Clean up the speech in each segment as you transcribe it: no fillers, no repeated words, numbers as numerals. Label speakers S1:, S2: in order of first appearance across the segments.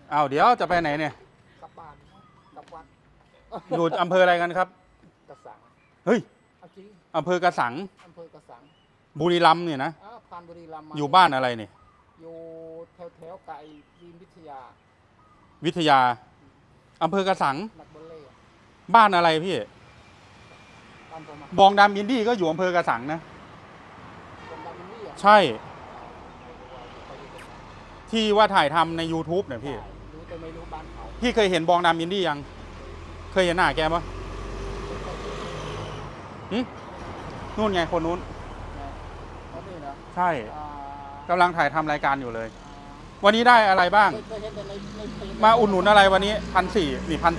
S1: อ้าวเดี๋ยวจะไปไหนเนี่ย
S2: กลับบ้านกลับวัด
S1: อยู่อำเภออะไรกันครับ
S2: กระสัง
S1: เฮ้ย
S2: เอาจริง
S1: อำเภอกระสัง
S2: อำเภอกระสัง
S1: บุรีรัมย์เนี่ยนะ
S2: ผ่านบุรีรัมย์มา
S1: อยู่บ้านอะไรเนี่ย
S2: อยู่แถวไก่ยีนวิทยา
S1: วิทยาอำเภอกระสัง
S2: นักบอลเล่
S1: บ้านอะไรพี่
S2: ตามผมมา
S1: บองดำอินดี้ก็อยู่อำเภอกระสังนะ
S2: ตรงดำนี่อ่ะ
S1: ใช่ ที่ว่าถ่ายทำใน YouTube เนี่ยพี่
S2: รู้แต่ไม่รู้บ้านเขา
S1: พี่เคยเห็นบองดำอินดี้ยัง เคยเห็นหน้าแกปะหึนู่นไงคนนู้น
S2: เขานี่นะ
S1: ใช่
S2: อ่าก
S1: ำลังถ่ายทำรายการอยู่เลย วันนี้ได้อะไรบ้าง
S2: เคยเห็นแต่ในเพจ
S1: มาอุดหนุนอะไรวันนี้1,400นี่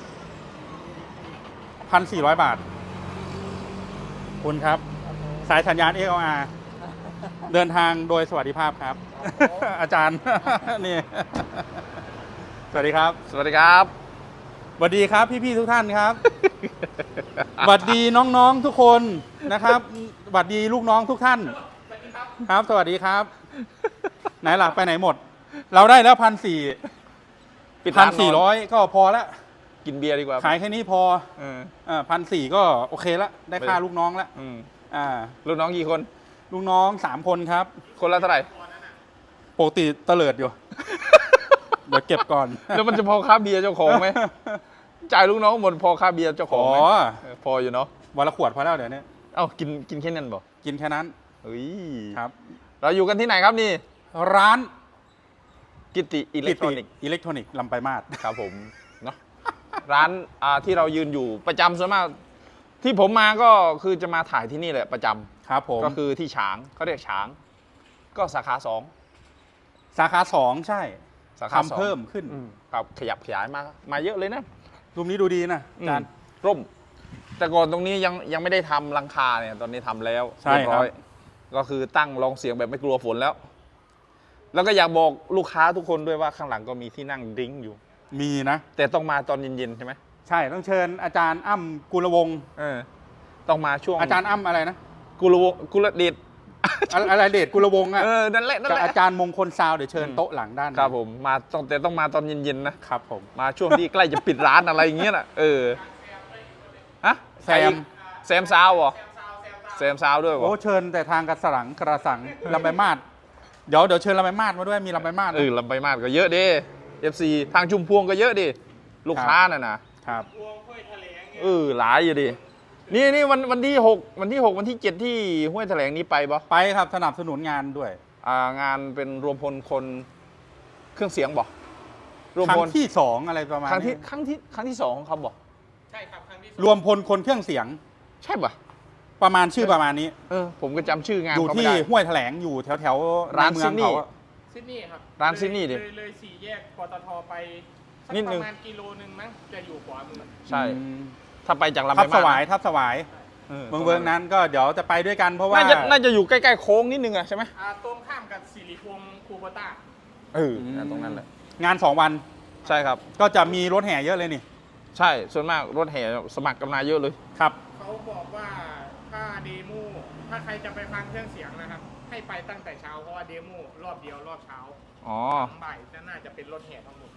S1: 1,400 บาท คุณครับ
S2: ครับผม
S1: สายสัญญาณ XLR เดินทางโดยสวัสดิภาพครับ อาจารย์ นี่ สวัสดีครับ
S3: สวัสดีครับ
S1: สวัสดีครับพี่ๆทุกท่านครับ สวัสดีน้องๆทุกคนนะครับสวัสดีลูกน้องทุกท่าน ครับ สวัสดีครับ ไหนล่ะไปไหนหมด เราได้แล้ว
S3: ปิด
S1: 1,400
S3: ร้านนอน
S1: ก็พอละ
S3: กินเบียร์ดีกว่า
S1: ขายแค่นี้พอ
S3: เออ
S1: 1,400ก็โอเคละได้ค่าลูกน้องละ
S3: อืม
S1: อ่า
S3: ลูกน้องกี่คน
S1: ลูกน้อง3 คนครับ
S3: คนละเท่าไหร่
S1: ปกติเตลิดอยู่ เดี๋ยวเก็บก่อน
S3: แล้วมันจะพอค่าเบียร์เจ้าของไหม จ่ายลูกน้องหมดพอค่าเบียร์เจ้าของไหม
S1: อ๋อ
S3: พออยู่เนาะ
S1: วันละขวดพอแล้วเดี๋ยวนี้
S3: เอ้ากินแค่นั้นบ่
S1: กินแค่นั้น
S3: เฮ้ย
S1: ครับ
S3: เราอยู่กันที่ไหนครับนี่
S1: ร้าน
S3: กิติอิเล็กทรอนิกส์
S1: อิเล็กทรอนิกส์ลำไปลายมาศ
S3: ครับผมเนาะร้านที่เรายืนอยู่ประจำส่วนมาก ที่ผมมาก็คือจะมาถ่ายที่นี่แหละประจำ
S1: ครับผม
S3: ก็คือที่ฉางเขาเรียกฉาง ก็สาขา2
S1: สาขา 2 ใช่
S3: สาขาสอง
S1: ทำเพิ่มขึ้น
S3: ครับขยับขยายมาเยอะเลยนะ
S1: รูปนี้ดูดีนะอาจารย์
S3: ร่ม แต่ก่อนตรงนี้ยังไม่ได้ทำหลังคาเนี่ยตอนนี้ทำแล้ว
S1: ใช่
S3: เรียบร้อย
S1: ครับ
S3: ก็คือตั้งรองเสียงแบบไม่กลัวฝนแล้ว แล้วก็อยากบอกลูกค้าทุกคนด้วยว่าข้างหลังก็มีที่นั่งดริ้งอยู่
S1: มีนะ
S3: แต่ต้องมาตอนเย็นๆใช่ไหม
S1: ใช่ต้องเชิญอาจารย์อ้ำกุลวงศ์
S3: เออต้องมาช่วง
S1: อาจารย์อ้ำอะไรนะ
S3: กุลเดช
S1: อะไรเดชกุลวงศ์อ่ะ
S3: นั่นแหละ
S1: กับอาจารย์มงคลซาวเดี๋ยวเชิญโต๊ะหลังด้าน
S3: ครับผมมาต้องมาตอนเย็นๆนะครับ
S1: ผม
S3: มาช่วงที่ใกล้จะปิดร้านอะไรอย่างเงี้ยน่ะฮะ
S1: แซม
S3: แซมซาวเหรอแซมซาวด้วยเหร
S1: โอ้
S3: อ
S1: เชิญแต่ทางกระสังลำไปลายมาศเดี๋ยวเชิญลำไปลายมาศมาด้วยมีลำไปลายมาศนะ
S3: ลำไปมาดก็เยอะดิ FC ทางชุมพวงก็เยอะดิลูกค้าน่ะนะครับ หลายอยู่ดินี่วันที่6วันที่7ที่ห้วยแถลงนี้ไปปะ
S1: ไปครับสนับสนุนงานด้วย
S3: งานเป็นรวมพลคนเครื่องเสียงบ่รวม
S1: ครั้
S3: พ
S1: ง
S3: ล
S1: ที่ 2 อะไรประมาณ
S3: ครั้งที่
S1: นี้
S3: ครั้งที่2ของเขาบ่
S2: ใช่ครับครั้งที่
S1: รวมพลคนเครื่องเสียง
S3: ใช่ป่ะ
S1: ประมาณชื่อประมาณนี้
S3: ผมก็จำชื่องาน
S1: อยู่
S3: เขาไม่
S1: ที่
S3: ได้
S1: ห้วยแถลงอยู่แถวๆ
S3: ร้าน
S1: ในเมื
S3: ซิ
S1: อง
S3: ดนีย์
S1: เขาอะ
S2: ซิดนีย์ครับ
S3: ร้านซิดนีย์ดิ
S2: เลย4 แยกปตทไปสัก
S3: นิดนึง
S2: ประมาณกิโลนึงมั้งจะอยู่ขวามือ
S3: ใช่
S1: อืม
S3: ถ้าไปจากลำ
S1: ทั
S3: ไป
S1: บ
S3: มา
S1: ส
S3: ด
S1: วายทับสวาย เมืองนั้นก็เดี๋ยวจะไปด้วยกันเพราะว่า
S3: น่าจะอยู่ใกล้ๆโค้งนิดนึงอะใช่ไหม
S2: ตรงข้ามกับสิริพงศ์คูโบต้า
S3: ตรงนั้นแหละ
S1: งาน 2 วัน
S3: ใช่ครับ
S1: ก็จะมีรถแห่เยอะเลยนี่
S3: ใช่ส่วนมากรถแห่สมัครกันมาเยอะเลย
S1: ครับ
S2: เขาบอกว่าถ้าเดโมถ้าใครจะไปฟังเครื่องเสียงนะครับ ให้ไปตั้งแต่เช้าเพราะว่าเดโมรอบเดียวรอบเช้า
S3: อ๋อ
S2: บ่ายน่าจะเป็นรถแห่ทั้งหมด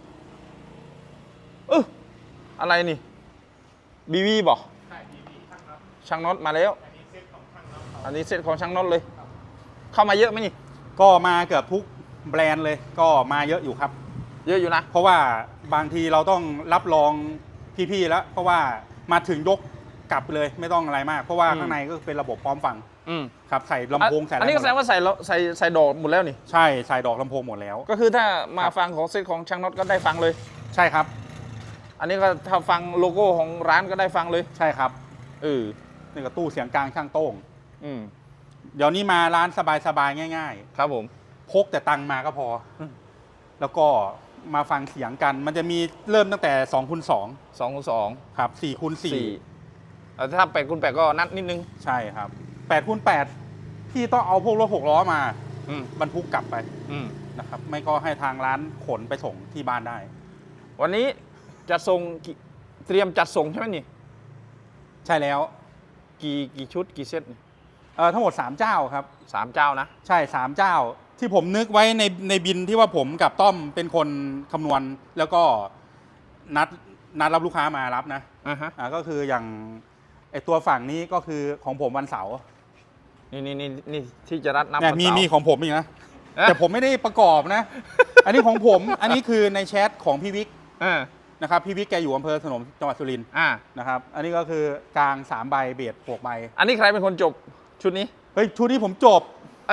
S3: อะไรนี่บีวีบอก
S2: ใช่ดีๆทั้งนั้น
S3: ช่างน็อตมาแล้ว
S2: อันนี้เซ็ตของช่างแล้วเขา
S3: อันนี้เซตของช่างน็อตเลย เข้ามาเยอะไหมนี่
S1: ก็มาเกือบทุกแบรนด์เลยก็มาเยอะอยู่ครับ
S3: เยอะอยู่นะ
S1: เพราะว่าบางทีเราต้องรับรองพี่ๆแล้ว เพราะว่ามาถึงยกกลับเลยไม่ต้องอะไรมาก เพราะว่าข้างในก็เป็นระบบพร้อมฟัง
S3: อืม
S1: ครับใส่ลำโพงใส่อะไร
S3: อันนี้ก็แสดงว่าใส่ดอกหมดแล้วนี่
S1: ใช่ใส่ดอกลำโพงหมดแล้ว
S3: ก็คือถ้ามา
S1: ครับ
S3: ฟังของเซตของช่างน็อตก็ได้ฟังเลย
S1: ใช่ครับ
S3: อันนี้ก็ถ้าฟังโลโก้ของร้านก็ได้ฟังเลย
S1: ใช่ครับ
S3: เออ
S1: นี่ก็ตู้เสียงกลางช่างโต้ง
S3: อืม
S1: เดี๋ยวนี้มาร้านสบายๆง่าย
S3: ครับผม
S1: ๆ พกแต่ตังค์มาก็พอ แล้วก็มาฟังเสียงกัน มันจะมีเริ่มตั้งแต่2คูณ2
S3: 2คูณ2
S1: ครับ4คูณ4
S3: ถ้า8คูณ8ก็นัดนิดนึง
S1: ใช่ครับ8คูณ8พี่ต้องเอาพวกรถ6ล้อมา
S3: อืม
S1: บรรทุกกลับไป
S3: อืม
S1: นะครับ ไม่ก็ให้ทางร้านขนไปส่งที่บ้านได้
S3: วันนี้จะส่งเตรียมจัดส่งใช่ไหมนี่
S1: ใช่แล้ว
S3: กี่ชุดกี่เซตนี่
S1: ทั้งหมด3เจ้าครับ
S3: 3 เจ้านะ
S1: ใช่3เจ้าที่ผมนึกไว้ในบินที่ว่าผมกับต้อมเป็นคนคำนวณแล้วก็นัดรับลูกค้ามารับนะ
S3: อ่าฮะ
S1: ก็คืออย่างไอตัวฝั่งนี้ก็คือของผมวันเสาร์
S3: นี่ที่จะรัดนับ
S1: เนี่ย
S3: วัน
S1: มี
S3: เสาร์
S1: มีของผมอีกนะ
S3: เอ๊ะ
S1: แต่ผมไม่ได้ประกอบนะ อันนี้ของผม อันนี้คือในแชทของพี่วิก
S3: อ่า
S1: นะครับพี่วิกแกอยู่อำเภอสนมจังหวัดสุรินทร์
S3: อ่า
S1: นะครับ อันนี้ก็คือกลาง3 ใบเบียด6 ใบ
S3: อันนี้ใครเป็นคนจบชุดนี้
S1: เฮ้ยชุดนี้ผมจบ
S3: ไอ้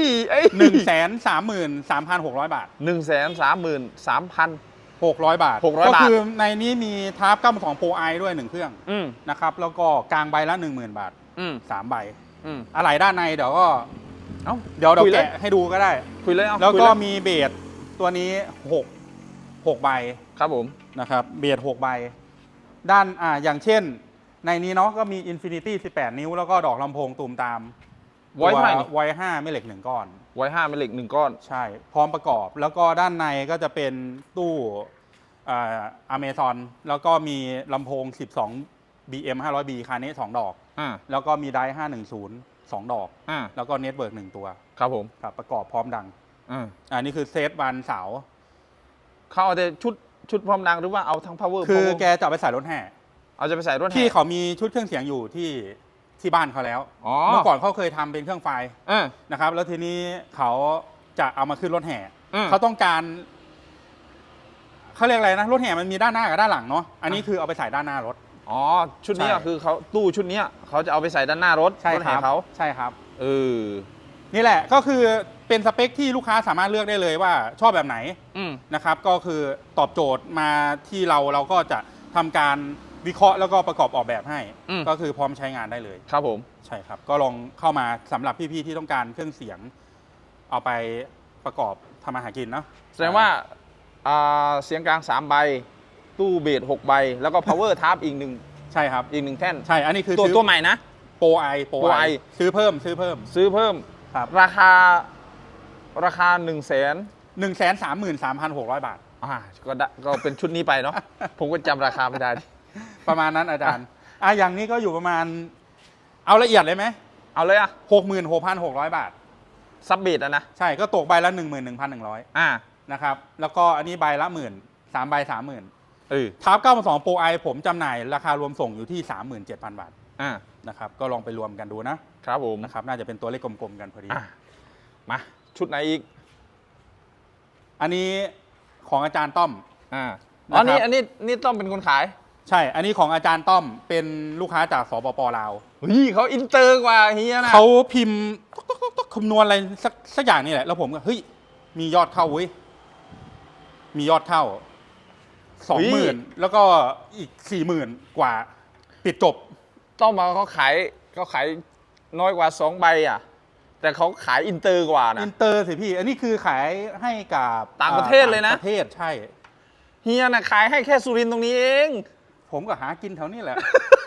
S1: 133,600 บาท
S3: 133,300
S1: 600 บาท
S3: 600
S1: ก็
S3: บาท
S1: คือในนี้มีทาร์ป92 Pro I ด้วย 1 เครื่อง
S3: อืม
S1: นะครับแล้วก็กลางใบละ 10,000 บาท
S3: อืม
S1: 3 ใบ
S3: อืม
S1: อะไรด้านในเดี๋ยวก็
S3: เอ้า
S1: เดี๋ยว
S3: คุยเลย
S1: แกะให้ดูก็ได้
S3: คุยเลยเอา
S1: แล้ว
S3: คุย
S1: ก็
S3: เย
S1: มีเบสตัวนี้6 ใบ
S3: ครับผม
S1: นะครับเบส6 ใบ ด้านอย่างเช่น ในนี้เนาะก็มี Infinity 18 นิ้ว แล้วก็ดอกลำโพงตูมตาม
S3: ไว้เท่าไหร่นี่
S1: ไว้5ไม่เหล็ก 1 ก้อน
S3: ไว้5เป็นเหล็ก1ก้อน
S1: ใช่ พร้อมประกอบ แล้วก็ด้านในก็จะเป็นตู้อเมซอนแล้วก็มีลำโพง 12 BM 500B คาเน่2 ดอก
S3: อ่า
S1: แล้วก็มีไดร์510 2 ดอก
S3: อ่า
S1: แล้วก็เน็ตเวิร์ก1 ตัว
S3: ครับผม
S1: ครับประกอบพร้อมดัง
S3: อ่า
S1: นี่คือเซตวันเสาร์
S3: เขาเอาแต่ชุดพร้อมดังหรือว่าเอาทั้ง power
S1: คือ
S3: power
S1: แกจะเอาไปใส่รถแห่
S3: เอาจะไปใส่รถแห่
S1: ที่เขามีชุดเครื่องเสียงอยู่ที่บ้านเขาแล้ว
S3: อ๋อ
S1: เมื่อก่อนเขาเคยทำเป็นเครื่องไฟ
S3: อ่า
S1: นะครับ แล้วทีนี้เขาจะเอามาขึ้นรถแห่
S3: อืม
S1: เขาต้องการเขาเรียกอะไรนะรถแห่มันมีด้านหน้ากับด้านหลังเนาะอันนี้คือเอาไปใส่ด้านหน้ารถ
S3: อ๋อ ชุดนี้
S1: ใช่
S3: อะคือเขาตู้ชุดนี้เขาจะเอาไปใส่ด้านหน้ารถ
S1: ใช่
S3: รถ
S1: ค
S3: แห่
S1: รับ
S3: เขา
S1: ใช่ครับ
S3: เออ
S1: นี่แหละก็คือเป็นสเปคที่ลูกค้าสามารถเลือกได้เลยว่าชอบแบบไหน
S3: อืม
S1: นะครับ ก็คือตอบโจทย์มาที่เราก็จะทำการวิเคราะห์แล้วก็ประกอบออกแบบให้
S3: อืม
S1: ก็คือพร้อมใช้งานได้เลย
S3: ครับผม
S1: ใช่ครับ ก็ลองเข้ามาสำหรับพี่ๆที่ต้องการเครื่องเสียง เอาไปประกอบทำอาหารกินเนาะ
S3: แสดงว่าเสียงกลาง3 ใบ ตู้เบส6 ใบ แล้วก็ power tab อีกหนึ่ง
S1: ใช่ครับ
S3: อีกหนึ่งแท่น
S1: ใช่ อันนี้คือ
S3: ตัว
S1: ซื้อ
S3: ตัวใหม่นะ
S1: โปรไอ
S3: Pro I
S1: ซื้อเพิ่ม
S3: ซื้อเพิ่ม
S1: ครับ
S3: ราคา 100,000
S1: 133,600 บาท
S3: ก็ได้ก็เป็นชุดนี้ไปเนาะ ผมก็จำราคาไม่ได้ดิ
S1: ประมาณนั้นอาจารย์อย่างนี้ก็อยู่ประมาณ เอาละเอียดเลยไหม
S3: เอาเลยอะ
S1: 66,600 บาท
S3: ซับเบสอะนะ
S1: ใช่ก็ตกใบละ 11,100
S3: อ่า
S1: นะครับ แล้วก็อันนี้ใบละ 10,000 3 ใบ 30,000
S3: เออ
S1: ทาร์ป92 Pro I ผมจำหน่ายราคารวมส่งอยู่ที่ 37,000 บาท
S3: อ่า
S1: นะครับ ก็ลองไปรวมกันดูนะครับ
S3: ผม
S1: นะครับ น่าจะเป็นตัวเลขกลมๆกันพอดี
S3: อ่ะมา ชุดไหนอีก
S1: อันนี้ของอาจารย์ต้อม
S3: อ่า
S1: นะครับ
S3: อันนี้ต้องเป็นคนขาย
S1: ใช่ อันนี้ของอาจารย์ต้อมเป็นลูกค้าจากสปปลาว
S3: เฮ้ยเขาอินเตอร์กว่าเฮียนะ
S1: เขาพิมพ์คำนวณอะไรสักอย่างนี่แหละ แล้วผมก็เฮ้ยมียอดเข้าเว้ยมียอดเข้า 20,000 แล้วก็อีก 40,000 กว่า ปิดจบ
S3: ต้องมาเขาขายน้อยกว่า2 ใบอ่ะ แต่เขาขายอินเตอร์กว่านะ
S1: อินเตอร์สิพี่ อันนี้คือขายให้กับ
S3: ต่างประเทศเลยนะ
S1: ต่างประเทศใช่
S3: เฮียน่ะขายให้แค่สุรินทร์ตรงนี้เอง
S1: ผมก็หากินแถวนี้แหละ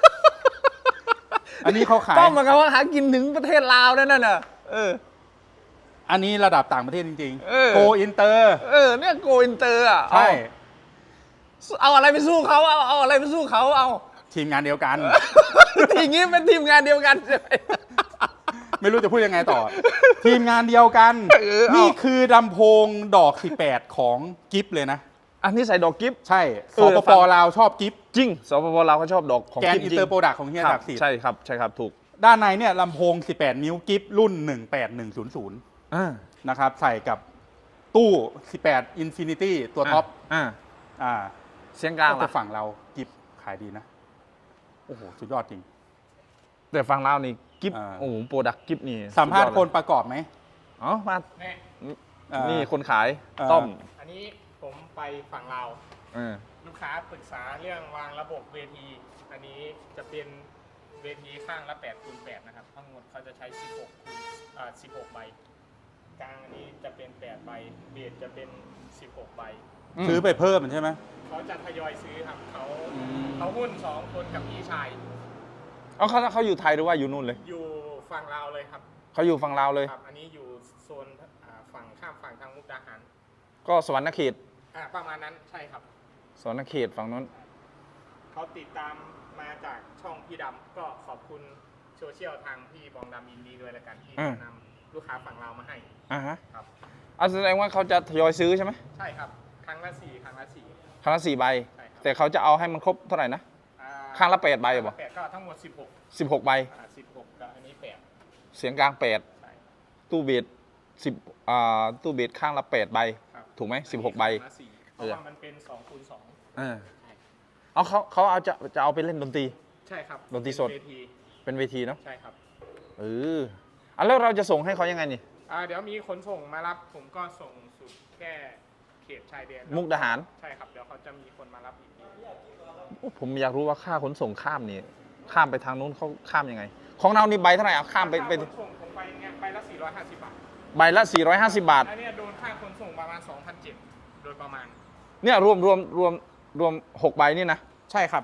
S1: อันนี้เขาขาย
S3: ต้องมาเขาหากินถึงประเทศลาวนั่นน่ะเออ
S1: อันนี้ระดับต่างประเทศจริง
S3: เออ
S1: โกอินเตอร์
S3: เนี่ยโกอินเตอร์อ่ะ
S1: ใช่
S3: เอาอะไรไปสู้เขาเอาอะไรไปสู้เขาเอา
S1: ทีมงานเดียวกัน
S3: ทีงี้เป็นทีมงานเดียวกันใช่ไหม
S1: ไม่รู้จะพูดยังไงต่อ ทีมงานเดียวกัน
S3: เออเอา
S1: นี่คือลำโพงดอก 18 ของกิฟเลยนะ
S3: อันนี้ใส่ดอกกิฟ
S1: ใช่
S3: เอ
S1: ส
S3: อ
S1: ป
S3: ฟั
S1: ป
S3: ง
S1: ลาวชอบกิฟ
S3: จริงสปปลาวเขาชอบดอกของ
S1: แกน
S3: กิฟ
S1: อิน
S3: จริ
S1: เตอง ร์โปรดักของเฮีย
S3: ครั
S1: ศักดิ์สิทธิ์
S3: ใช่ครับถูก
S1: ด้านในเนี่ยลำโพง 18 นิ้วกิฟรุ่น 18100
S3: อ่า
S1: นะครับ ใส่กับตู้ 18 Infinity ตัวท็อป อ่า
S3: เสียงกลาง
S1: แต่
S3: ล่ะ
S1: ฝั่งเรากิฟขายดีนะ โอ้โห สุดยอดจริง
S3: แต่ฝั่งลาวนี่กิฟ
S1: อ่า
S3: โอ้โหโปรดักกิฟนี่
S1: สัมภาษณ์
S3: สุดย
S1: ค
S3: อด
S1: น
S3: เลย
S1: ประกอบไหม
S3: อ๋อมา
S2: เนี่ย
S3: นี่คนขาย
S1: อ่า
S3: ต้อม
S2: อันนี้ผมไปฝั่งลาว
S3: เออ
S2: ลูกค้าปรึกษาเรื่องวางระบบเวที อันนี้จะเป็นเวทีข้างละ8x8นะครับ ทั้งหมดเขาจะใช้16 ใบ กลางอันนี้จะเป็น8 ใบ เบสจะเป็น16 ใบ
S1: ซื้อไปเพิ่มใช่ไหม
S2: เขาจะทยอยซื้อครับ
S1: อืม
S2: เขาหุ้น 2 คนกับพี่ชาย
S3: เอาเขาอยู่ไทยหรือว่าอยู่นู่นเลย
S2: อยู่ฝั่งลาวเลยครับ
S3: เขาอยู่ฝั่งลาวเลย
S2: ครับ อันนี้อยู่โซนฝั่งข้ามฝั่งทางมุกดาหาร
S3: ก็สวรรณเขต
S2: ประมาณนั้นใช่ครับ
S3: สวรรณเขตฝั่งนู้น
S2: เขาติดตามมาจากช่องพี่ดำก็ขอบคุณโซเชียลทางพี่บองดำอินดีด้วยละกันที่แนะนำลูกค้าฝั่งเรามาให้
S3: อ่าฮะ
S2: ครับ
S3: เอาแสดงว่าเขาจะทยอยซื้อใช่ไหม
S2: ใช่ครับครั้งละ4ครั้งละ4
S3: ครั้งละ4 ใบ
S2: ใช่ครับ
S3: แต่เขาจะเอาให้มันครบเท่าไหร่นะ ข้างละ8 ใบเหรอ
S2: 8ก็ทั้งหมด16
S3: 16 ใบ
S2: 16กับอันนี้8
S3: เสียงกลาง
S2: ใช่
S3: 8 ตู้เบสตู้เบสข้างละ 8 ใบ
S2: ครับ
S3: ถูกไหม16 ใบ
S2: ครั้งละ4เพราะว่ามันเป็น2คูณ2
S3: เอาเขาเอาจะเอาไปเล่นดนตรี
S2: ใช่ครับ
S3: ดนตรีสด
S2: เวที
S3: เป็นเวทีเนาะ
S2: ใช่ครับ
S3: แล้วเราจะส่งให้เขายังไงนี่
S2: เดี๋ยวมีขนส่งมารับผมก็ส่งสุดแค่เขตชายแดน
S3: มุกดาหาร
S2: ใช่ครับเดี๋ยวเขาจะมีคนมารับอีกที
S3: ผมอยากรู้ว่าค่าขนส่งข้ามนี่ข้ามไปทางนู้นเขาข้ามยังไง ของเรานี่ใบเท่าไหร่เอาข้ามไป
S2: ค่าขนส่งผมไปเนี่ยใบละ450 บาท
S3: ใบละ 450 บาท
S2: อันเนี้ยโดนค่าขนส่งประมาณ 2,700โดยประมาณ
S3: เนี่ยรวม6 ใบนี่นะ
S2: ใช่ครับ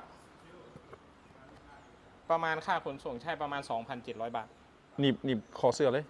S2: ประมาณค่าขนส่งใช่ประมาณ 2,700 บาท
S3: หนีบคอเสื้อเลย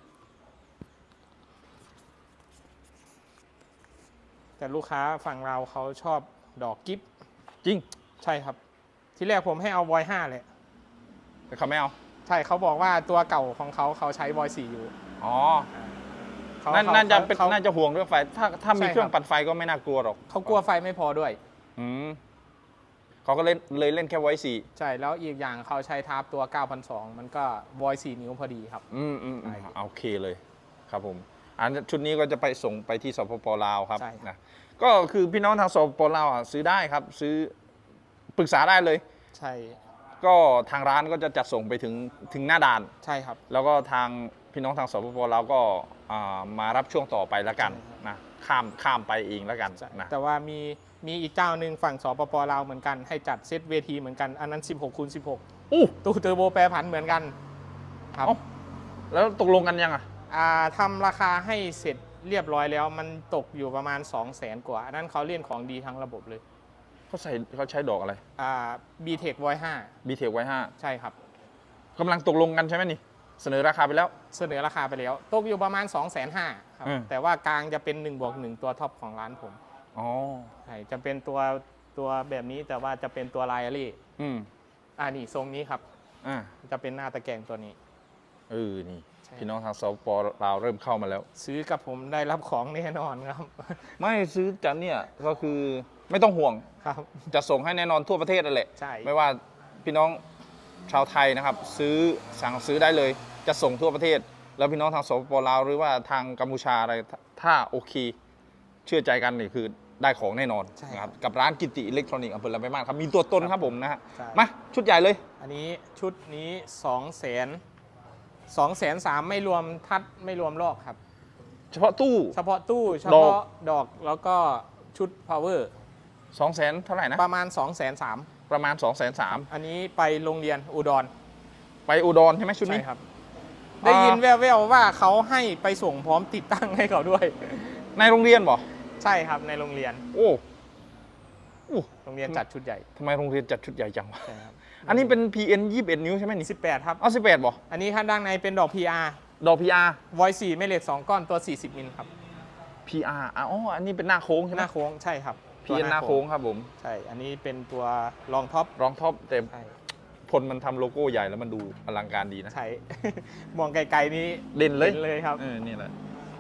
S2: แต่ลูกค้าฝั่งเราเขาชอบดอกกิฟต์
S3: จริง
S2: ใช่ครับ ที่แรกผมให้เอาวอย5เลย
S3: แต่เขาไม่เอา
S2: ใช่เขาบอกว่าตัวเก่าของเขาใช้วอย4อยู่
S3: อ๋อ
S2: เขา
S3: น่าจะเป็น
S2: เขา
S3: น่าจะห่วงเรื่องไฟถ้ามี
S2: ใช่ครับ
S3: เครื่องปั่นไฟก็ไม่น่ากลัวหรอก
S2: เขากลัวไฟไม่พอด้วย
S3: เขาก็เลยเล่นแค่ไว้4
S2: ใช่ แล้วอีกอย่างเขาใช้ทาร์ปตัว 9,200 มันก็วอย4 นิ้วพอดีครับ ใช่
S3: โอเคเลยครับผมอันชุดนี้ก็จะไปส่งไปที่สปปลาวครับ
S2: ใช่
S3: นะก็คือพี่น้องทางสปปลาวซื้อได้ครับ ซื้อปรึกษาได้เลย
S2: ใช่
S3: ก็ทางร้านก็จะจัดส่งไปถึงหน้าด่าน
S2: ใช่ครับ
S3: แล้วก็ทางพี่น้องทางสปปลาวก็มารับช่วงต่อไปแล้วกัน
S2: ใช่ครับ
S3: นะข้ามไปเองแล้วกันนะ
S2: แต่ว่ามีอีกเจ้าหนึ่งฝั่งสปปลาวเหมือนกันให้จัดเซตเวทีเหมือนกัน อันนั้น16คูณ16
S3: อู้
S2: ตู้เทอร์โบแปรผันเหมือนกันครับ
S3: เอ้า แล้วตกลงกันยังอ่ะ
S2: ทำราคาให้เสร็จเรียบร้อยแล้วมันตกอยู่ประมาณ 200,000 กว่าอันนั้นเขาเล่นของดีทั้งระบบเลย
S3: เขาใช้ดอกอะไร
S2: B-Tech Voice
S3: บีเทคไว้
S2: 5ใช่ครับ
S3: 5กำลังตกลงกันใช่ไหมนี่ เสนอราคาไปแล้ว
S2: เสนอราคาไปแล้ว ตกอยู่ประมาณ 250,000ครับ แต่ว่ากลางจะเป็น1+1ตัวท็อปของร้านผม
S3: อ๋อ
S2: ใช่จะเป็นตัวแบบนี้แต่ว่าจะเป็นตัวไลอารี่ นี่ทรงนี้ครับ
S3: อ่า
S2: จะเป็นหน้าตะแกรงตัวนี้
S3: นี่
S2: ใช่
S3: พี่น้องทางสปปลาวเริ่มเข้ามาแล้ว
S2: ซื้อกับผมได้รับของแน่นอนครับ
S3: ไม่ซื้อจากเนี่ยก็คือไม่ต้องห่วง
S2: ครับ
S3: จะส่งให้แน่นอนทั่วประเทศนั่นแหละ
S2: ใช่
S3: ไม่ว่าพี่น้องชาวไทยนะครับ สั่งซื้อได้เลย จะส่งทั่วประเทศ แล้วพี่น้องทางสปปลาวหรือว่าทางกัมพูชาอะไรถ้าโอเค เชื่อใจกันนี่คือได้ของแน่นอน
S2: ใช่
S3: นะครับกับร้านกิติอิเล็กทรอนิกส์อำเภอลำปางครับมีตัวตนครับผมนะฮะ
S2: ใช่
S3: มาชุดใหญ่เลย
S2: อันนี้ชุดนี้200,003ไม่รวมทัดไม่รวมลอกครับ
S3: เฉพาะตู้
S2: เฉพาะตู้เฉ
S3: ดอก
S2: พาะดอกแล้วก็ชุด power
S3: 200,000เท่าไหร่นะ
S2: ประมาณ 203,000
S3: ประมาณ 230,000
S2: อันนี้ไปโรงเรียนอุดร
S3: ไปอุดรใช่ไหมชุดนี้
S2: ใช่ครับ ได้ยินแว่วๆว่าเขาให้ไปส่งพร้อมติดตั้งให้เขาด้วย
S3: ในโรงเรียนบ่
S2: ใช่ครับในโรงเรียน
S3: โอ้
S2: โรงเรียนจัดชุดใหญ่
S3: ทำไมโรงเรียนจัดชุดใหญ่จังวะ
S2: ใช่ครับ
S3: อันนี้เป็น PN 21 นิ้วใช่ไหมนี่
S2: 18ครับ
S3: เอา18บ่
S2: อันนี้ข้างด้านในเป็นดอก PR
S3: ดอก PR
S2: voice 4แม่เหล็ก2ก้อนตัว40มิลครับ
S3: PR อ๋ออันนี้เป็นหน้าโค้งใช่ไห
S2: ห
S3: ม
S2: น้าโค้งใช่ครับ
S3: PN หน้าโค้งครับผม
S2: ใช่ อันนี้เป็นตัวรองท็อป
S3: รองท็อปเต็ม
S2: ใช่
S3: พลมันทำโลโก้ใหญ่แล้วมันดูอลังการดีนะ
S2: ใช่ มองไกลๆนี้
S3: เด่นเลย
S2: ห็เลยครับ
S3: นี่แหละ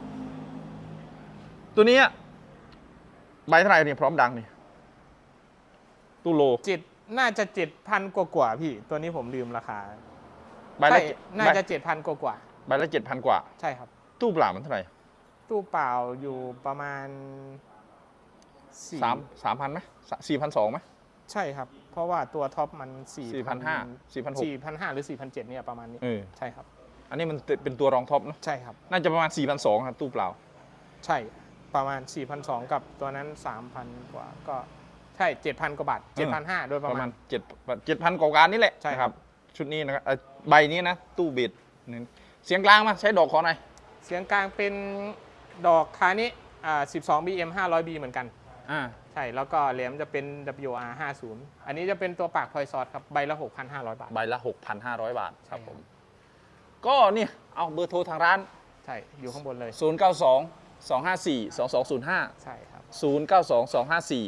S3: ตัวนี้ใบเท่าไหร่เนี่ยพร้อมดังนี่ตู้โล
S2: น่าจะ 7,000 กว่าๆพี่ ตัวนี้ผมลืมราคา
S3: ใบละ
S2: ใช่น่าจะ 7,000 กว่า
S3: ใบละ 7,000 กว่า
S2: ๆใช่ครับ
S3: ตู้เปล่ามันเท่าไหร่
S2: ตู้เปล่าอยู่ประมาณ
S3: 3,000ไหม4,200ไหม
S2: ใช่ครับ เพราะว่าตัวท็อปมัน
S3: 4,500 4,600
S2: 4,500 หรือ 4,700เนี่ยประมาณนี้ ใช่ครับ
S3: อันนี้มันเป็นตัวรองท็อปเนอะ
S2: ใช่ครับ
S3: น่าจะประมาณ 4,200ครับตู้เปล่า
S2: ใช่ประมาณ 4,200 กับตัวนั้น 3,000 กว่าก็ใช่ 7,000 กว่าบาท 7,500 โดยป
S3: ประ ระ
S2: มา
S3: มา
S2: ณ
S3: ณ7,000 กว่าการนี่แหละ
S2: ใช่ครับ
S3: ชุดนี้นะครับใบนี้นะ ตู้เบสนี่เสียงกลางมาใช้ดอกคอหน่อย
S2: เสียงกลางเป็นดอกคานี้12 BM 500B เหมือนกัน ใช่ แล้วก็แหลมจะเป็น WR 50อันนี้จะเป็นตัวปากพลอยซอสครับ ใบละ 6,500 บาท
S3: ใบละ 6,500 บาทครับ
S2: ใช่
S3: ผม ก็นี่เอาเบอร์โทรทางร้าน
S2: ใช่ อยู่ข้างบนเลย
S3: 092-254-2205
S2: ใช่ครับ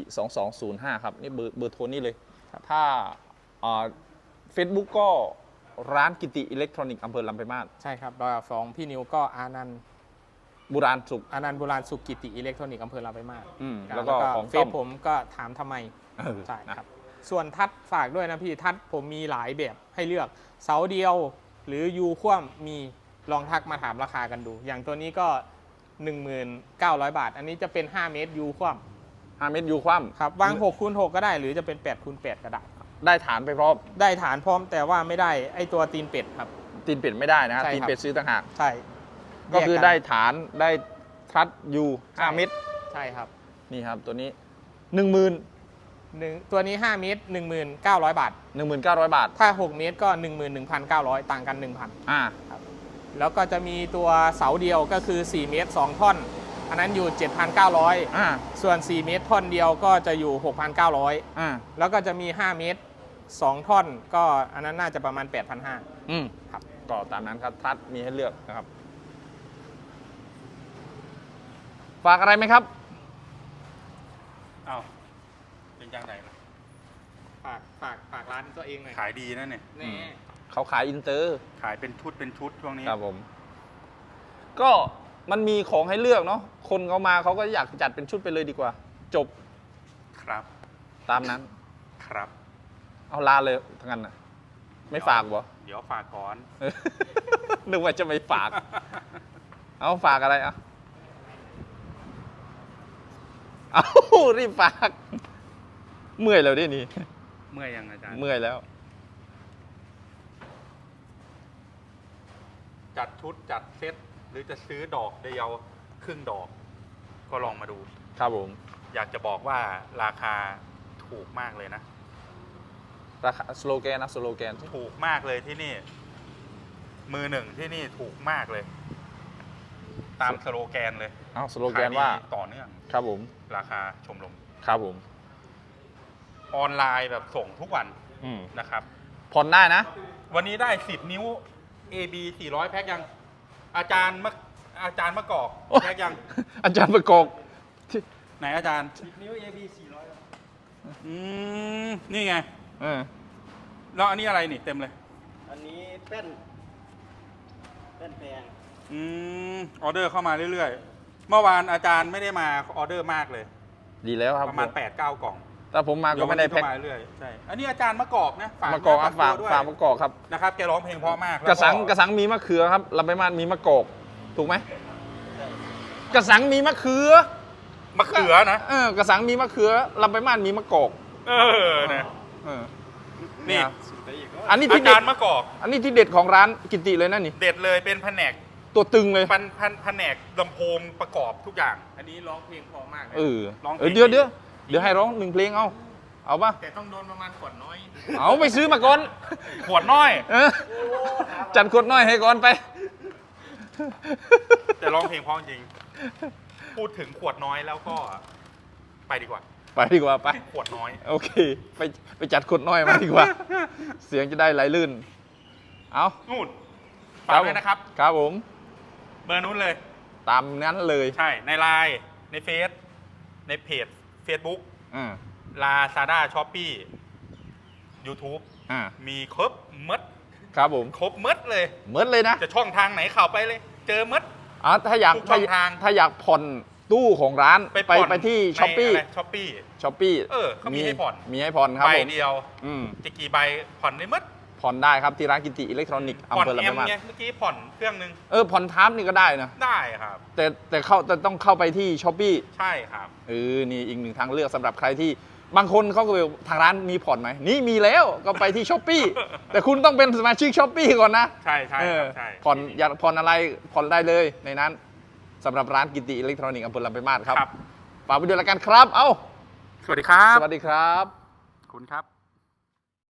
S3: 092-254-2205 ครับ นี่เบอร์โทรนี่เลย
S2: ครับ
S3: ถ้าเฟซบุ๊กก็ร้านกิติอิเล็กทรอนิกส์อำเภอลำปางมาศ
S2: ใช่ครับลำดับ2พี่นิวก็อานันต์
S3: บุราณสุข
S2: อานันต์โบราณสุกิติอิเล็กทรอนิกส์อำเภอลำปางมาศ
S3: แล้วก็ของ
S2: เฟ
S3: ต้อ
S2: ซ
S3: ม
S2: ผมก็ถามทำไม ใช่ครับ ส่วนทัดฝากด้วยนะพี่ทัดผมมีหลายแบบให้เลือกเสาเดียวหรือยูคว่ำมีลองทักมาถามราคากันดู อย่างตัวนี้ก็ 19,000 บาท อันนี้จะเป็น5 เมตรยูคว่
S3: 5 เมตรยูคว่
S2: ำครับวาง6x6ก็ได้หรือจะเป็น8x8ก็ได้
S3: ำได้ฐานไปพร้อม
S2: ได้ฐานพร้อมแต่ว่าไม่ได้ไอตัวตีนเป็ดครับ
S3: ตีนเป็ดไม่ได้นะฮะ
S2: ใช่ครับ
S3: ตีนเป็ดซื้อต่างหาก
S2: ใช่
S3: ก็คือ
S2: แยน
S3: ได้ฐานได้ทัดยู
S2: ใช่
S3: 5 เมตร
S2: ใช่ครับ
S3: นี่ครับตัวนี้ 10,000
S2: ตัวนี้5 เมตร 19,000 บาท
S3: 19,000 บาท
S2: ถ้า 6 เมตรก็ 11,900 ต่างกัน 1,000
S3: อ่า
S2: แล้วก็จะมีตัวเสาเดียวก็คือ 4 เมตร 2 ท่อน อันนั้นอยู่ 7,900
S3: อ่า
S2: ส่วน 4 เมตรท่อนเดียวก็จะอยู่ 6,900
S3: อ่า
S2: แล้วก็จะมี 5 เมตร 2 ท่อน ก็อันนั้นน่าจะประมาณ 8,500
S3: อืม
S2: ครับ
S3: ก็ตามนั้นครับทัดมีให้เลือกนะครับ ฝากอะไรไหมครับ
S1: อ้าวเป็นยังไงล่ะ
S2: ฝากร้านตัวเองหน่อย
S1: ขายดีนะเนี่ย
S2: นี่
S3: เขาขายอินเตอร์
S1: ขายเป็นชุดเป็นชุดช่วงนี้
S3: ครับผม ก็มันมีของให้เลือกเนาะคนเขามาเขาก็อยากจัดเป็นชุดไปเลยดีกว่า จบ
S1: ครับ
S3: ตามนั้น
S1: ครับ
S3: เอาลาเลยทั้งนั้นนะไม่ฝากบ่
S1: เดี๋ยวฝากก่อน
S3: นึกว่าจะไม่ฝาก เอาฝากอะไรอ่ะเอารีบฝาก เมื่อยแล้วดินี่
S1: เมื่อยยังอาจารย์
S3: เมื่อยแล้ว
S1: จัดชุดจัดเซตหรือจะซื้อดอกเดียวครึ่งดอก ก็ลองมาดู
S3: ครับผม
S1: อยากจะบอกว่าราคาถูกมากเลยนะ
S3: ราคาสโลแกนนะสโลแกน
S1: ถูกมากเลยที่นี่ มือหนึ่งที่นี่ถูกมากเลย ตามสโลแกนเลย
S3: เอาสโลแกนว่า
S1: ขยดีต่อเนื่อง
S3: ครับผม
S1: ราคาชมรม
S3: ครับผม
S1: ออนไลน์แบบส่งทุกวัน
S3: อืม
S1: นะครับ
S3: ผ่อนได้นะ
S1: วันนี้ได้ 10 นิ้ว AB 400 แพ็คยัง อาจารย์มะกอกแพ็คยัง
S3: อาจารย์ประกอบที่
S1: ไหนอาจารย์
S2: นิ้ว AB
S1: นี่ไง
S3: เออ
S1: แล้วอันนี้อะไรนี่เต็มเลย
S4: อันนี้เป็นแพง
S1: ออเดอร์เข้ามาเรื่อยๆ เมื่อวานอาจารย์ไม่ได้มาออเดอร์มากเลย
S3: ดีแล้วครับ
S1: ประมาณ
S3: ผม
S1: 8-9 กล่อง
S3: แต่ผมมาก็ไม่ได้แพ็ค
S1: เยววันนี้เข้ามาเรื่อยๆใช่ อันนี้อาจารย์มะกอกนะ
S3: มะกอกอ่ะฝาก
S1: ตัวด้วย
S3: ฝากมะกอกครับ
S1: นะครับ แกร้องเพลงเพราะมาก
S3: กระสังมีมะเขือครับลำไปางมาศมีมะกอกถูกไหมกระสังมีมะเขือ
S1: มะเขือนะ
S3: กระสังมีมะเขือลำไปางมาศมีมะกอก
S1: นะ
S3: เออ
S1: นี่
S3: อันนี้
S1: อา
S3: ที่เด็
S1: จา
S3: ด
S1: รย์มะกอก
S3: อันนี้ที่เด็ดของร้านกิติเลยนะนี่
S1: เด็ดเลยเป็นแผนก
S3: ตัวตึงเลย
S1: แผนกลำโพงประกอบทุกอย่าง
S2: อันนี้ร้องเพลงเพอมากเลย
S3: เออ
S1: ร้องเพลง
S3: เดี๋ยวให้ร้อง1 เพลงเอาป่ะ
S2: แต่ต้องโดนประมาณขวดน้อย
S3: เอาไปซื้อมาก่อน
S1: ขวดน้อย
S3: เออจัดขวดน้อยให้ก่อนไป
S1: แต่ร้องเพลงเพราะจริง พูดถึงขวดน้อยแล้วก็ไปดีกว่า
S3: ไปดีกว่าไป
S1: ขวดน้อย
S3: โอเค ไปจัดขวดน้อยมาดีกว่า เสียงจะได้ไหลลื่น เอา
S1: นู่นฝากด้วยนะครับ
S3: ครับผม
S1: เบอร์นู้นเลย
S3: ตามนั้นเลย
S1: ใช่ ในไลน์ในเฟซ ในเพจ Facebook
S3: อ่า
S1: Lazada Shopee YouTube
S3: อ่า
S1: มีครบหมด
S3: ครับผม
S1: ครบหมดเลย
S3: เหมือนเลยนะ
S1: จะช่องทางไหนเข้าไปเลย เจอหมด
S3: ถ้าอยาก
S1: ทุกช่องทาง
S3: ถ้าอยากผ่อนตู้ของร้าน
S1: ผ่อน
S3: ไปที่
S1: ใน
S3: ช้อปปี้
S1: ช้อปปี้
S3: ช้อปปี้
S1: เขามีให้ผ่อน
S3: มีให้ผ่อนครับ
S1: ใบ
S3: ผม
S1: เดียว
S3: อืม
S1: จะกี่ใบผ่อนได้หมด
S3: ผ่อนได้ครับที่ร้านกิติอิเล็กทรอนิกส์
S1: ผ่อน
S3: อำเภอลำ
S1: แอ
S3: ปาม งมาศ
S1: ไงเมื่อกี้ผ่อนเครื่องนึง
S3: ผ่อนทามนี่ก็ได้นะ
S1: ได้ครับ
S3: แต่ต้องเข้าไปที่ช้อปปี้
S1: ใช่ครับ
S3: นี่อีกหนึ่งทางเลือกสำหรับใครที่บางคนเขาก็บอกทางร้านมีผ่อนไหมนี่มีแล้วก็ไปที่ช้อปปี้ แต่คุณต้องเป็นสมาชิกช้อปปี้ก่อนนะ
S1: ใช่ใช่ครับใช่
S3: ผ่อนอยากผ่อนอะไรผ่อนได้เลยในนั้นสำหรับร้านกิติอิเล็กทรอนิกส์อำเภอลำปางมาศครับ
S1: ครับ
S3: ฝากไปด้วยละกันครับ เอ้า
S1: สวัสดีครับ
S3: สวัสดีครับ
S1: คุณครับ